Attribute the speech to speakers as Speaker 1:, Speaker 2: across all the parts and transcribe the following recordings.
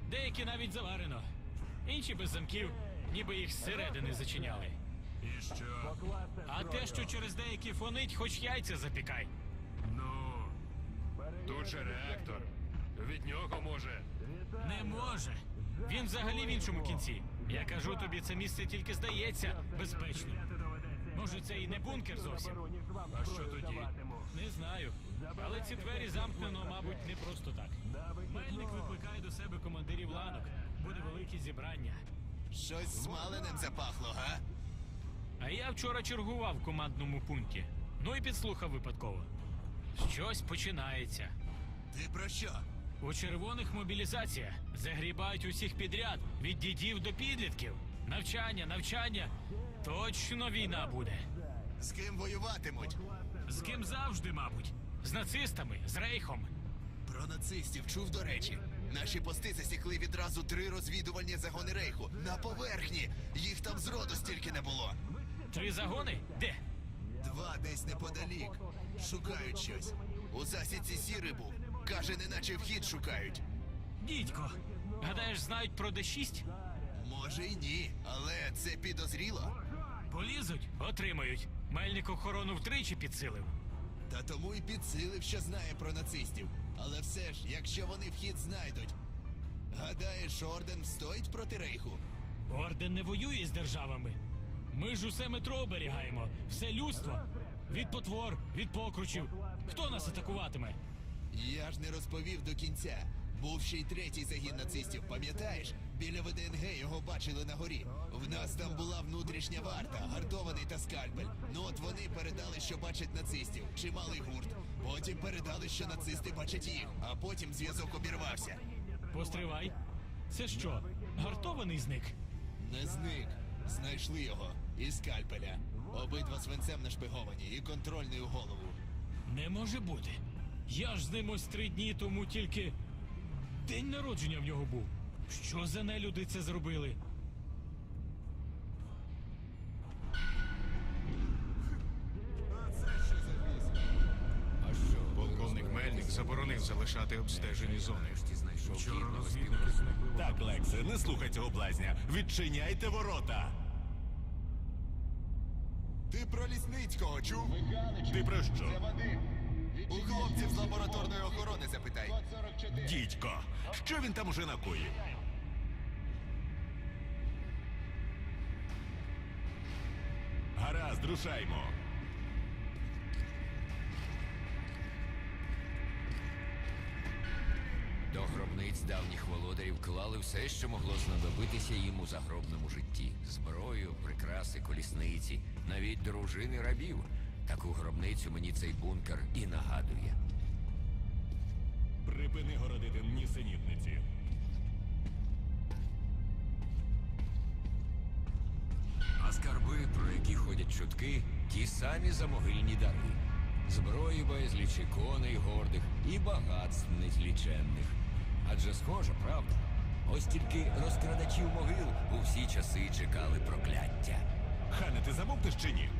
Speaker 1: Деякі навіть заварено. Інші без замків, ніби їх зсередини зачиняли.
Speaker 2: І що?
Speaker 1: А те, що через деякі фонить, хоч яйця запікай.
Speaker 2: Ну, тут же реактор. Від нього може.
Speaker 1: Не може. Він взагалі в іншому кінці. Я кажу тобі, це місце тільки здається безпечним. Може, це і не бункер зовсім?
Speaker 2: А що тоді?
Speaker 1: Не знаю. Але ці двері замкнено, мабуть, не просто так. Мельник викликає до себе командирів ланок. Буде велике зібрання.
Speaker 3: Щось смаленим запахло, га?
Speaker 1: А я вчора чергував в командному пункті. Ну і підслухав випадково. Щось починається.
Speaker 3: Ти про що?
Speaker 1: У червоних мобілізація. Загрібають усіх підряд, від дідів до підлітків. Навчання, навчання. Точно війна буде.
Speaker 3: З ким воюватимуть?
Speaker 1: З ким завжди, мабуть. З нацистами, з рейхом.
Speaker 3: Про нацистів чув, до речі. Наші пости засікли відразу 3 розвідувальні загони рейху. На поверхні. Їх там зроду стільки не було.
Speaker 1: 3 загони? Де?
Speaker 3: 2 десь неподалік. Шукають щось. У засідці сірий був. Каже, неначе вхід шукають.
Speaker 1: Дідько. Гадаєш, знають про Д6?
Speaker 3: Може й ні, але це підозріло.
Speaker 1: Полізуть, отримають. Мельник охорону втричі підсилив.
Speaker 3: Та тому і підсилив, що знає про нацистів. Але все ж, якщо вони вхід знайдуть. Гадаєш, орден встоїть проти рейху?
Speaker 1: Орден не воює з державами. Ми ж усе метро оберігаємо, все людство. Від потвор, від покручів. Хто нас атакуватиме?
Speaker 3: Я ж не розповів до кінця. Був ще й 3-й загін нацистів, пам'ятаєш? Біля ВДНГ його бачили на горі. В нас там була внутрішня варта, гартований та скальпель. Ну от вони передали, що бачать нацистів. Чималий гурт. Потім передали, що нацисти бачать їх. А потім зв'язок обірвався.
Speaker 1: Постривай. Це що, гартований зник?
Speaker 3: Не зник. Знайшли його. І скальпеля. Обидва свинцем нашпиговані і контрольний у голову.
Speaker 1: Не може бути. Я ж з ним ось 3 дні тому тільки... День народження в нього був. Що за нелюди це зробили?
Speaker 2: А що? Полковник Мельник заборонив залишати обстежені зони. Вчора розвідники зникли.
Speaker 4: Так, Лексе, не слухай цього блазня. Відчиняйте ворота.
Speaker 3: Ти про Лісницького чув?
Speaker 4: Ти про що?
Speaker 3: У хлопців з лабораторної охорони запитай.
Speaker 4: Дідько, що він там уже накоїв? Гаразд, рушаймо.
Speaker 5: До гробниць давніх володарів клали все, що могло знадобитися їм у загробному житті: зброю, прикраси, колісниці, навіть дружини рабів. Таку гробницю мені цей бункер і нагадує.
Speaker 4: Припини городити нісенітниці.
Speaker 5: А скарби, про які ходять чутки, ті самі замогильні дари. Зброї безлічі, коней гордих і багатств незліченних. Адже схоже, правда? Ось тільки розкрадачів могил у всі часи чекали прокляття.
Speaker 4: Хане, ти замовкнеш чи ні?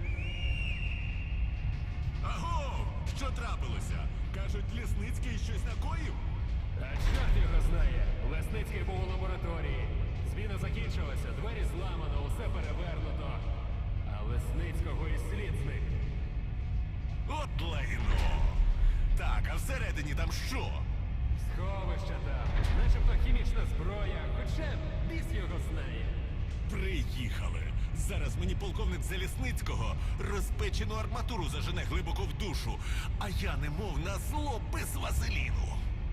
Speaker 4: Аго! Що трапилося? Кажуть, Лісницький щось накоїв?
Speaker 2: А чорт його знає. Лесницький був у лабораторії. Зміна закінчилася, двері зламано, усе перевернуто. А Лесницького і слід зник.
Speaker 4: От лайно! Так, а всередині там що?
Speaker 2: Сховище там, начебто хімічна зброя, хоча біс його знає.
Speaker 4: Приїхали. Зараз мені полковник Залісницького розпечену арматуру зажене глибоко в душу, а я немов на зло без вазеліну.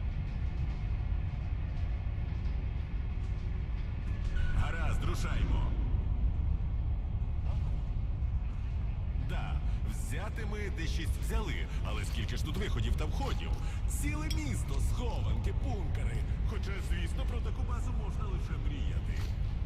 Speaker 4: Гаразд, рушаймо. Да, взяти ми Д6 взяли, але скільки ж тут виходів та входів? Ціле місто, схованки, бункери. Хоча, звісно, про таку базу можна лише мріяти.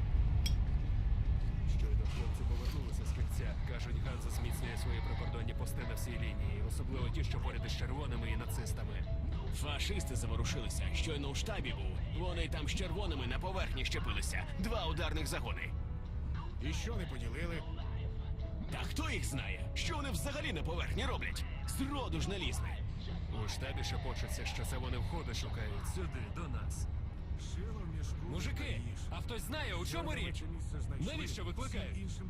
Speaker 2: Щойно хлопці повернулися з кільця. Кажуть, Ганза зміцнює свої прикордонні пости на всій лінії, особливо ті, що поряд із червоними і нацистами.
Speaker 6: Фашисти заворушилися. Щойно у штабі був. Вони там з червоними на поверхні щепилися. 2 ударних загони.
Speaker 2: І що не поділили?
Speaker 6: Та хто їх знає? Що вони взагалі на поверхні роблять? Зроду ж не лізли.
Speaker 2: У штабі шепочеться, що це вони входи шукають сюди, до нас. Шило в мішку Мужики, а хтось знає, у чому річ? Навіщо викликають?